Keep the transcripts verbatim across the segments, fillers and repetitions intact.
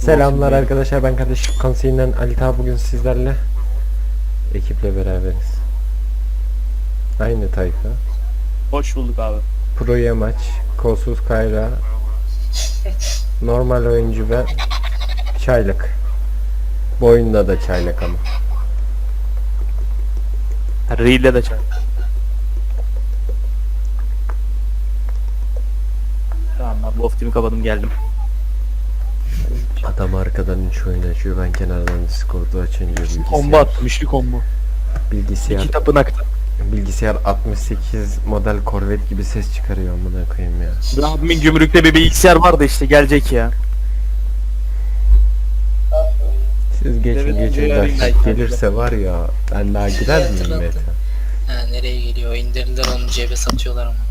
Selamlar arkadaşlar, ben kardeşlik konseyinden Ali Ta. Bugün sizlerle ekiple beraberiz. Aynı tayfa. Hoş bulduk abi. Pro Yamaç, Kolsuz Kayra, normal oyuncu ve çaylak. Bu oyunda da çaylak ama. Reel'de de çay. Tamam abi, bu off kapadım geldim. Adam arkadan üç oyun açıyor, ben kenardan Discord'u açınca bilgisayar. Combo attım, üçlü combo. Bilgisayar. İki tapınakta. Bilgisayar altmış sekiz model Corvette gibi ses çıkarıyor, amına koyayım ya. Abimin gümrükte bir bilgisayar vardı işte, gelecek ya. Siz geçin Evet, geçin yarın de belki. gelirse var ya, ben daha gider miyim Hatırlattım. Mete? Ha, nereye geliyor? İndirdiler onu, cebe satıyorlar ama.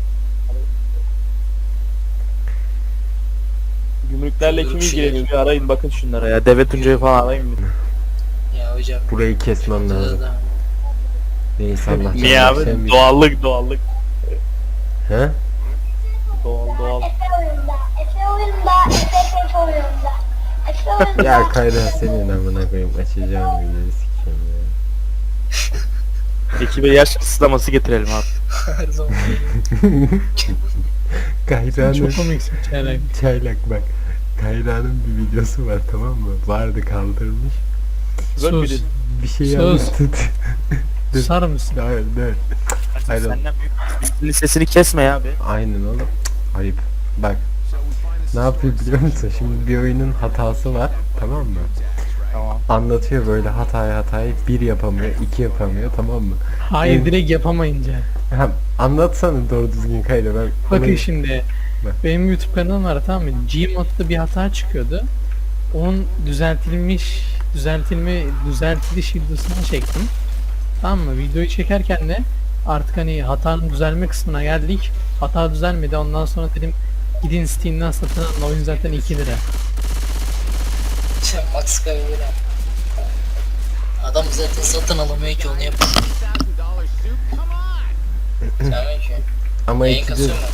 Gümrüklerle kim Gümrük ilgileniyor? Bir arayın bakın şunlara ya. Deve Tuncay'ı falan arayın bir. Ya hocam. Burayı kesmem lazım. da- Neyse Allah Niye canını abi? sevmesin. Doğallık doğallık. He? Doğal doğal. Efe oyunda, Efe oyunda, Efe Efe oyunda. Efe oyunda. Ya Kayra senin amına koyayım, açacağım videoyu sikeyim ya. Ekibe yaş kısıtlaması getirelim abi. Her zaman. Kayra'nın Çok komiksin çaylak. çaylak bak. Kayra'nın bir videosu var, tamam mı? Vardı, kaldırmış. Böyle Sus. bir Bir şey Sus. anlattı. Susar mısın? Hayır, dur. Hayır. Senden büyük. Senin sesini kesme ya abi. Aynen oğlum. Cık, ayıp. Bak. Ne yapıyor biliyor musun? Şimdi bir oyunun hatası var, tamam mı? Tamam. Anlatıyor böyle hatayı hatayı. Bir yapamıyor, iki yapamıyor, tamam mı? Hayır, Evet. direkt yapamayınca. Ha, anlatsana doğru düzgün Kayra, ben... Bakın onu- şimdi. Bak. Benim YouTube kanalım var, tamam mı? Gmod'da bir hata çıkıyordu. Onun düzeltilmiş, düzeltilme, düzeltiliş videosunu çektim. Tamam mı? Videoyu çekerken de artık hani hatanın düzelme kısmına geldik. Hata düzelmedi. Ondan sonra dedim gidin Steam'den satın alın. Oyun zaten iki lira. Max Kavira. Adam zaten satın alamıyor ki, onu yapıyor. Selamünaleyküm. Ama Yayın iki kasıyor de... mu?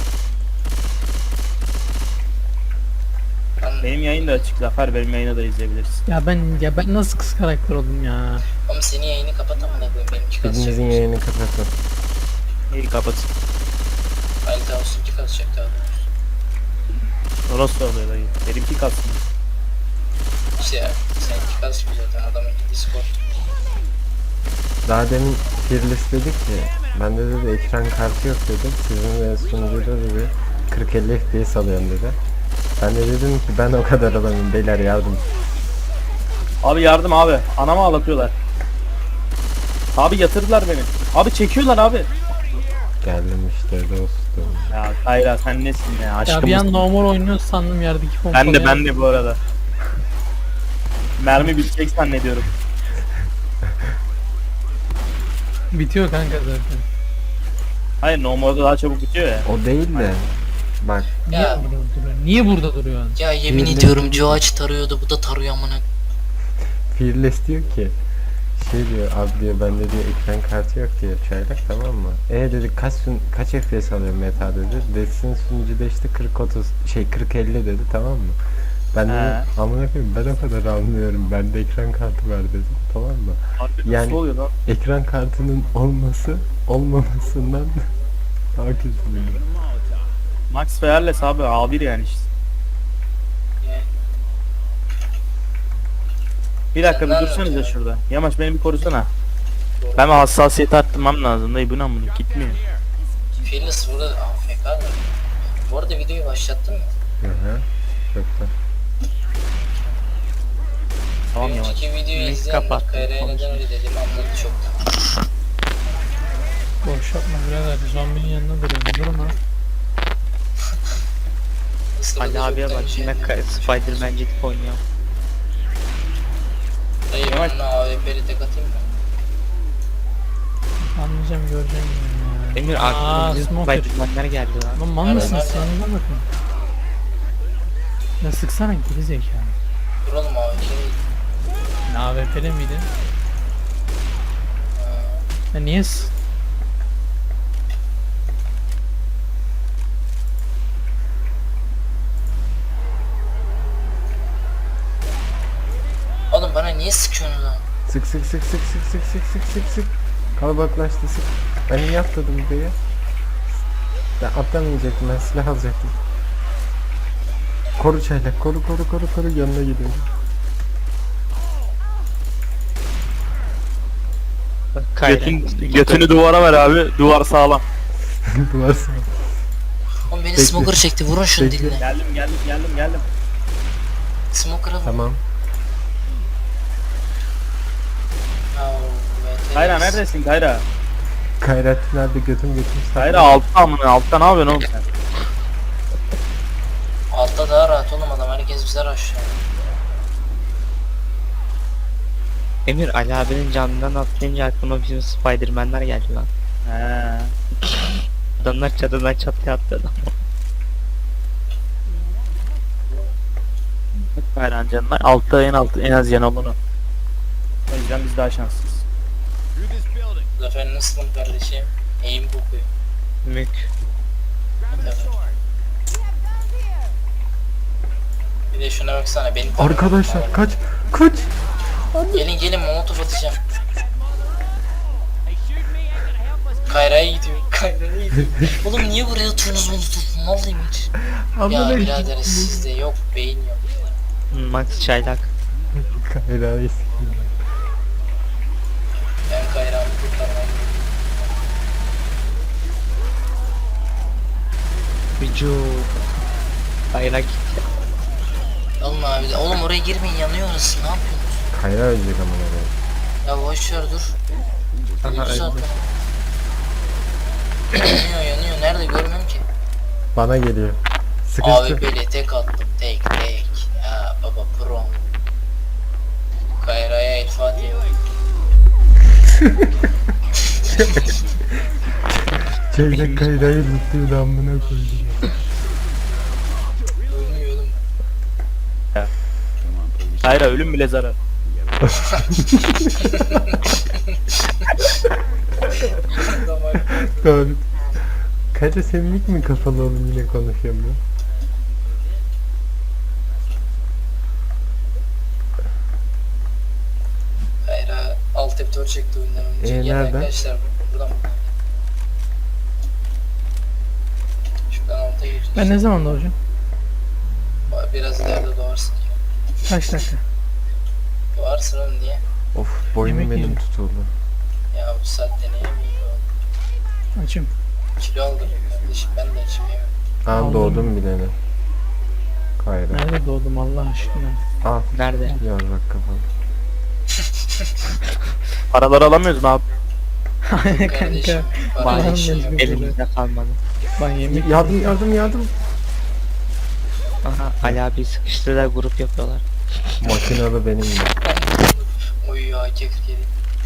Lan, Benim yayın da açık Zafer, benim yayını da izleyebilirsin. Ya ben ya ben nasıl kız karakter oldum ya? oğlum senin yayını kapat amına koyayım, benimki kasacak. Birinizin yayını kapatın. İyi kapat. Halil Ağustos'unki kasacak daha doğrusu. O nasıl oluyor dayı? Benimki kalsın. İşte ya, seninki kasmıyor zaten, adamınki Discord. Daha demin Fearless dedik ki, bende dedi ekran kartı yok dedim. Sizin ve sunucuda dedi kırk elli F P S alıyorum dedi. Ben de dedim ki ben o kadar alamıyorum beyler, yardım. Abi yardım abi. Anamı ağlatıyorlar. Abi yatırdılar beni. Abi çekiyorlar abi. Geldim işte dostum. Ya Kayra sen nesin ya? Ya Aşkımız. bir an normal oynuyor sandım, yerdeki pompalı. Ben de ben de bu arada. Mermi bitecek zannediyorum. Bitiyor kanka zaten. Hayır normalde daha çabuk bitiyor ya. O değil de bak, Niye Ya. burada duruyor? Niye burada duruyorsun? Ya yemin Yemin ediyorum Joaç tarıyordu, bu da tarıyor amına. Fearless diyor ki şey diyor, abi diyor bende diyor ekran kartı yok diyor çaylak, tamam mı? E dedi kaç sun kaç F P S alıyor meta dedi. Desin sunucuda işte kırk otuz şey kırk elli dedi, tamam mı? Ben He. dedim amına koyayım ben o kadar almıyorum, bende ekran kartı var dedim, tamam mı? Abi nasıl Yani- oluyor lan? Ekran kartının olması olmamasından daha kötü diyor. Max Fearless abi A bir yani işte. Bir dakika bir Sen dursanıza nerede? şurada. Yamaç beni bir korusana. Ben bir hassasiyeti arttırmam lazım dayı, bu ne bunu gitmiyor. Fearless burada A F K mı? Bu arada videoyu başlattın mı? Hı hı. Çok da. Tamam Bir Yamaç. önceki videoyu Neyse, izleyenler kapat. Kayra'ya Konuş. neden öyle dediğimi anladı çoktan. Boş yapma birader. Zombinin yanına duruyorum. Durma. Isırdı Ali abiye çoktan bak şey. yine ka- Spider-Man gidip oynuyor. Dayı Yavaş. ben A W P'li tek atayım mı? Anlayacağım, göreceğim ya. Emir Aa, aklıma bir smoker. Spider-Man'ler geldi lan. Lan mal mısın Nerede? sen? Ona bakın. Ya sıksana geri zekalı. Dur oğlum A W P'li. A W P'de miydin? Ya niye s- Oğlum bana niye sıkıyorsun lan? Sık sık sık sık sık sık sık sık sık sık. Kalabalıklaştı sık. Ben niye atladım buraya? Ben atlamayacaktım, ben silah alacaktım. Koru çaylak, koru koru koru koru, yanına gidiyorum. Kayra. Götün, götünü duvara ver abi. Duvar sağlam. Duvar sağ. Oğlum beni Bekle. smoker çekti. Vurun şunu Bekle. diline. Geldim geldim geldim geldim. Smoker'a vur. Tamam. Ya, evet, Kayra evet. neredesin Kayra? Kayrat nerede, götüm götüm sağ. Kayra altta amına, altta ne yapıyorsun oğlum sen? Altta daha rahat oğlum adam. Herkes bize aşağı. Emir Ali abinin canından atlayınca aklıma bizim Spiderman'ler geldi lan. He. Adamlar çatıdan çatıya atladı. Kayran canlar. Altta en altı en az yan olanı. O yüzden biz daha şanslıyız. Zafer nasılsın kardeşim? Eğim kokuyor. Mük. Tabii. Bir de şuna baksana benim Arkadaşlar kaç kaç. Gelin gelin molotof atacağım. Kayra'ya gidiyor. Kayra'ya gidiyor. Oğlum niye buraya atıyorsunuz molotof? Vallahi hiç. Ya Amına birader sizde yok beyin yok. Max çaylak. Kayra'yı sikeyim. Ben Kayra'mı kurtarmam. Vücut. Kayra gitti. Alın abi de. Oğlum oraya girmeyin yanıyor orası. Ne yapıyorsunuz? Kayra ölecek amına koyayım. Ya boş ver dur. Aha Öldü zaten. öldü. yanıyor yanıyor. Nerede görmüyorum ki. Bana geliyor. Abi Sıkıştı. böyle tek attım. Tek tek. Ya baba pro. Kayra'ya el Fatiha. Çaylak Kayra'yı tutuyordu amına koydum. Ölmüyor oğlum. Kayra ölüm bile zarar. Doğru. Kayra sevinlik mi kafalı oğlum, yine konuşuyorum ben. Kayra alt F dört çekti oyundan önce. Ee, Gel nereden? arkadaşlar buradan. Şuradan alta gir. Ben ne zaman doğacağım? Biraz ileride doğarsın. Kaç dakika? Doğarsın oğlum niye? Of, boynum Yemek benim yiyeceğim. tutuldu. Ya bu saatte neye mi yiyor? Açım. Kilo aldım kardeşim ben de içim yemem. Aa, Aldım. doğdum bilene. Kayra. Nerede doğdum Allah aşkına? Al. Nerede? Yarrak kafalı. Paraları alamıyoruz mu abi? Kardeşim. Kanka. Para Bana için mecbur. yok. Elimizde kalmadı. Ben yemek Yardım yardım yardım. Aha Ali abi sıkıştırdılar, grup yapıyorlar. Makinalı benim de. Oy ya kekir yedi.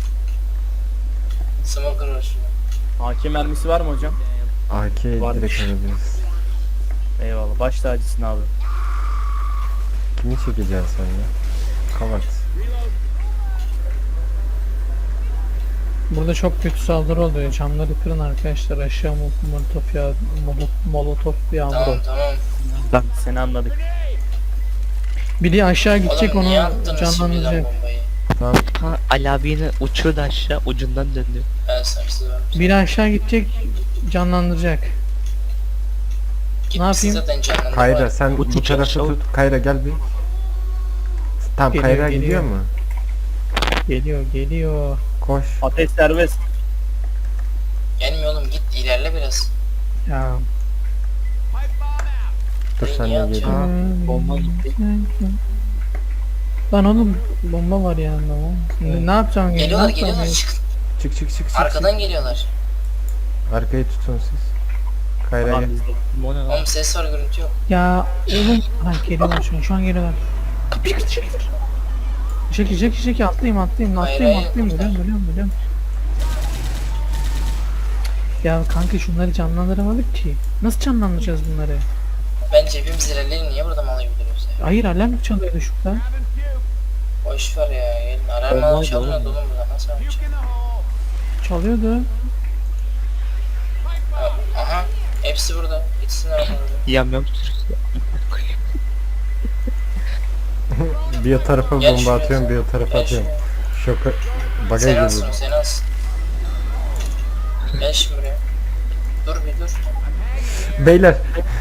Smoker var şurada. A K mermisi var mı hocam? A K Varmış. direkt alabiliriz. Eyvallah. Baş tacısın abi. Kimi çekeceksin sen ya? Kavat. Burada çok kötü saldırı oluyor. Camları kırın arkadaşlar. Aşağı mol- molotof ya molo- molotof yağmuru. Tamam tamam. Lan seni anladık. Biri aşağı gidecek, Oğlum niye onu attınız şimdiden canlandıracak. bombayı? Tamam. Ha Ali abi yine uçurdu aşağı, ucundan döndü. Ben sarsız vermişim. Biri aşağı gidecek, canlandıracak. Gitmişsin yapayım? zaten canlandı. Kayra sen Bu bu tip tarafı çalışıyor. tut. Kayra gel bir. Tamam, Geliyor, Kayra geliyor. gidiyor mu? Geliyor, geliyor. Koş. Ateş serbest. Gelmiyor oğlum git ilerle biraz. Ya. Dur sen Niye de atıyorsun? geliyor. Bomba gitti. Lan oğlum bomba var yanında. oğlum. Ne, ne yapacağım? ya? Geliyorlar Ne yapacağım geliyorlar ya? çık. Çık çık çık çık. Arkadan geliyorlar. çık. Arkayı tutun siz. Kayra Tamam gel. bizde. Bu ne lan? Oğlum ses var görüntü yok. Ya oğlum. Ha geliyorlar şu an. Şu an geliyorlar. Kapıyı kır çekil. Çekil çekil çekil atlayayım atlayayım Hayır, atlayayım hayır, atlayayım. kurtar. Ölüyorum ölüyorum ölüyorum. Ya kanka şunları canlandıramadık ki. Nasıl canlandıracağız bunları? Bence hepimiz ilerleyelim niye burada mal gibi duruyoruz ya? Hayır alarm çalıyordu şurada. Boş ver ya gelin. Alarm Olmaz mal çalmıyordu oğlum. oğlum burada nasıl yapacak? Çalıyordu. Ha, aha hepsi burada. Gitsinler oradan. Yam yam sürüsü. Bir o tarafa Gel bomba şuraya. atıyorum, bir o tarafa Gel atıyorum. Şoka... Baga Sen girdi. alsın, sen alsın. Gel şimdi buraya. Dur bir dur. Beyler,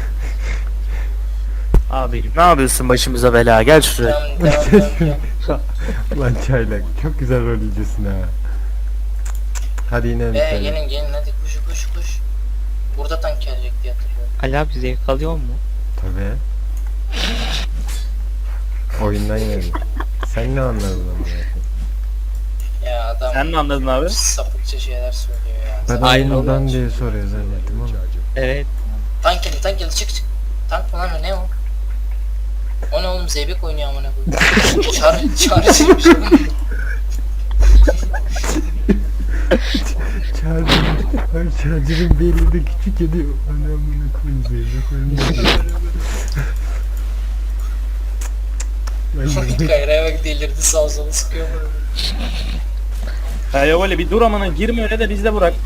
Abi ne yapıyorsun başımıza bela? Gel şuraya. Tamam devam devam devam. lan çaylak çok güzel rol izliyorsun ha. Hadi yine bir Ee tane. gelin gelin hadi koş koş koş. Burada tank gelecek diye hatırlıyorum. Ali abi zevk alıyor mu? Tabii. Oyundan geldi. Sen ne anladın ama ya? Ya adam Sen ne anladın abi? sapıkça şeyler söylüyor ya. Ben Aynen oyundan öyle. diye soruyor zannettim ama. Evet. Tank geldi tank geldi çık çık. Tank mı lan o ne o? O ne oğlum zeybek oynuyor amına koyayım. Çağrı çağrıcıymış oğlum. Charger, ay Charger'ın belli de küçük ediyor. Anamına koyayım zeybek oyunu. Ben de- Kayra'ya bak delirdi sağ sola sıkıyor mu? Ya yok öyle bir dur amına girme öyle de biz de bırak.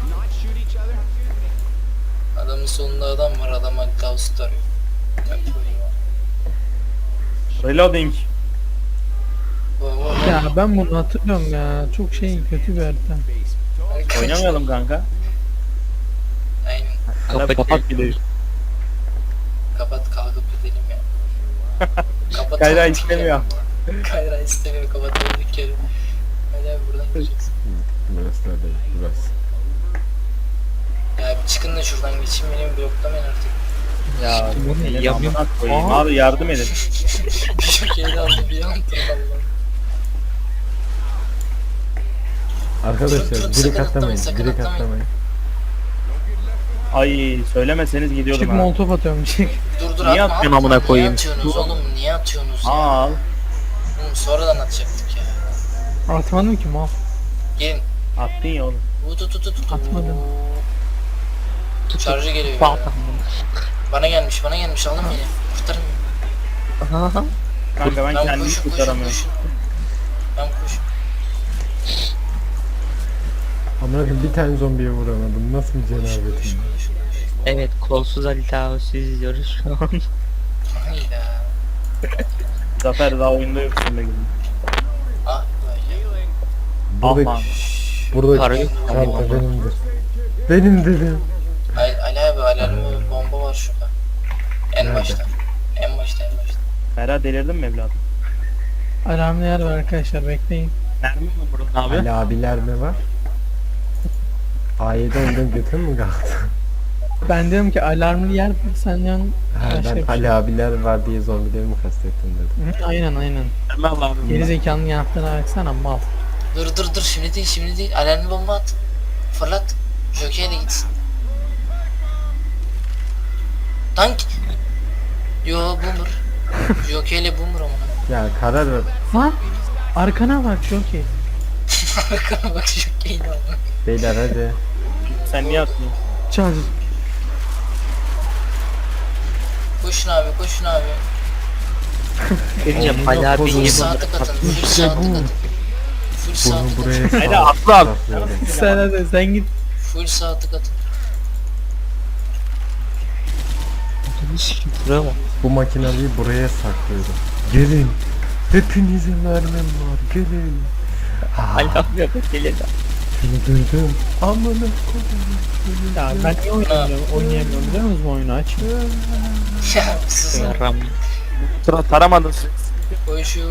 Adamın sonunda adam var adama Gauss arıyor. Ben koyayım abi. Reloading. Vay vay vay. Ya ben bunu hatırlıyorum ya. Çok şey kötü bir harita. Oynamayalım kanka. Aynen. Kapat kapat gidelim. Kapat kalkıp gidelim ya. Kapat. Kayra kalkıp istemiyor. gidelim. Kayra istemiyor kapatalım dükkanı. Hadi abi buradan gideceğiz. Burası da değil, burası. Ya bir çıkın da şuradan geçeyim beni bloklamayın artık. Ya Bu ne? elini Yapıyorum. amına koyayım. Abi yardım edin. Bir şokeydi aldı bir an Allah'ım. Arkadaşlar Çok direkt sakın atlamayın, atlamayın, sakın direkt atlamayın. atlamayın. Ay söylemeseniz gidiyordum Çık ha. molotof atıyorum çık. Dur dur Niye atma atıyorsun atma. amına koyayım? Niye atıyorsunuz oğlum niye atıyorsunuz ya? Al. Oğlum sonradan atacaktık ya. Atmadım ki mal. Gelin. Attın ya oğlum. Tut tut tut tut. Atmadım. Şarjı geliyor. Bal Bana gelmiş bana gelmiş alın beni. Kurtarın beni. Aha. Kanka ben Lan kendimi koşun koşun kurtaramıyorum. koşun. Lan koşun. Amına koyayım bir tane zombiye vuramadım. Nasıl bir cenabetim? Evet kolsuz Ali Tavus'u izliyoruz şu an. Hayda. Zafer daha oyunda yoksun be gülüm. Ah böyle. Buradaki, Aman. buradaki Para yok. çanta benimdir. Benim dedim. Ali, Ali abi alarmı bomba var şurada. En Nerede? başta. En başta en başta. Ferhat delirdin mi evladım? Alarmlı yer var arkadaşlar bekleyin. Mermi mi vurdun abi? Ali abiler mi var? A yedi ondan götür mü kalktı? Ben diyorum ki alarmlı yer var sen yan Ha, başka ben bir şey. Ali abiler var diye zombileri mi kastettim dedim. Hı, aynen aynen. Mermi al abi. Geri zekanın yanıtlarına baksana mal. Dur dur dur şimdi değil şimdi değil. Alarmlı bomba at. Fırlat. Jockey'e de gitsin. Tank. Yo boomer. Jockey'le boomer amına. Ya karar ver. Lan arkana bak çok iyi. Arkana bak Jockey'le amına. Beyler hadi. Sen niye atmıyorsun? Çal. Koşun abi koşun abi. Önce Oğlum, Ali yok, abi oğlum. Full iyi sağ tık atın. Full İşte sağ tık bu. atın. Full sağ Bunu tık buraya atın. Haydi sağ- atla at. saklıyorum. Sen hadi sen git. Full sağ tık atın. Buraya mı? Bu makinayı buraya saklıyorum. Gelin. Hepinize mermim var. Gelin. Ali abi yapıp geliyor. Seni duydum. Amına koyayım. Ya ben niye oynayamıyorum? Oynayamıyorum biliyor musunuz bu oyunu aç. Ya sus lan. Ram. Sıra taramadın. Koşun.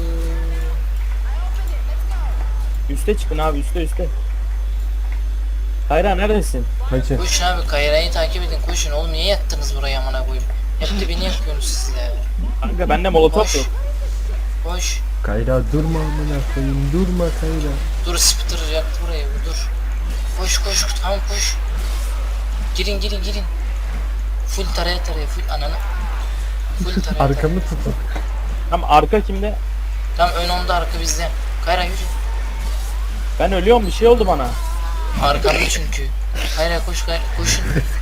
Üste çıkın abi üste üste. Hayra neredesin? Hacı. Koşun abi Kayra'yı takip edin koşun. Oğlum niye yattınız buraya amına koyayım? Hep de beni yakıyorsunuz siz ya. Kanka bende molotof Koş. yok. Koş. Kayra durma amına koyayım. Durma Kayra. Dur spitter yaktı burayı bu dur. Koş koş tamam koş. Girin girin girin. Full taraya taraya full ananı. Full taraya taraya. Arkamı tutun. Tam arka kimde? Tam ön onda arka bizde. Kayra yürü. Ben ölüyorum bir şey oldu bana. Arkamda çünkü. Kayra koş Kayra koşun.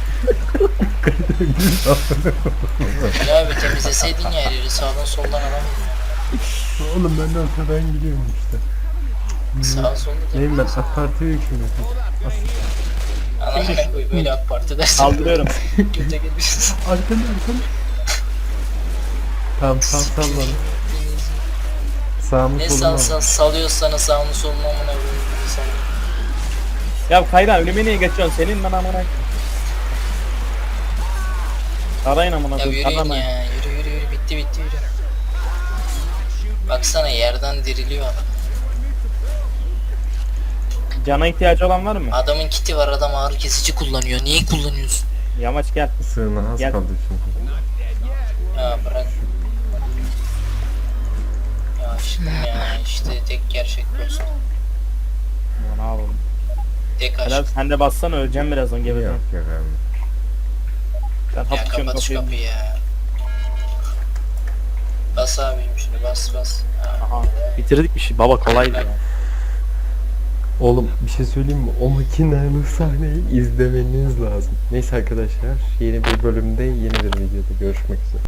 Ya bir temizleseydin ya her yeri sağdan soldan adam. Oğlum ben de arkadan gidiyorum işte. Sağa solda da. Neyim ben AK Parti'ye hükümetim. Anamına koy böyle AK Parti dersin. Kaldırıyorum. Göte gelirsin. Arkanda arkanda. Tamam sağ sal bana. Sağımı Ne solumu sal al. sal salıyor sana sağını solunu amına koyayım sana. Ya Kayra ölüme niye geçiyorsun? Senin ben amına koyayım. Arayın amına Ya koyayım. yürüyün Aramayın. ya yürü yürü yürü bitti bitti yürü. Baksana yerden diriliyor adam. Cana ihtiyacı olan var mı? Adamın kiti var adam ağrı kesici kullanıyor. Niye kullanıyorsun? Yamaç gel. Sığına az Gel. kaldı çünkü. Ya bırak. Ya aşkım ya işte tek gerçek dost. Ya ne yapalım? Tek Helal aşk. sen de bassana öleceğim birazdan Yok gebeceğim. yok abi. Ben Ya hapşıyorum kapat şu kapıyı. kapıyı ya. Bas abim şimdi bas bas. Ha. Aha bitirdik bir şey. Baba kolaydı ya. Oğlum bir şey söyleyeyim mi? O makinalı sahneyi izlemeniz lazım. Neyse arkadaşlar yeni bir bölümde yeni bir videoda görüşmek üzere.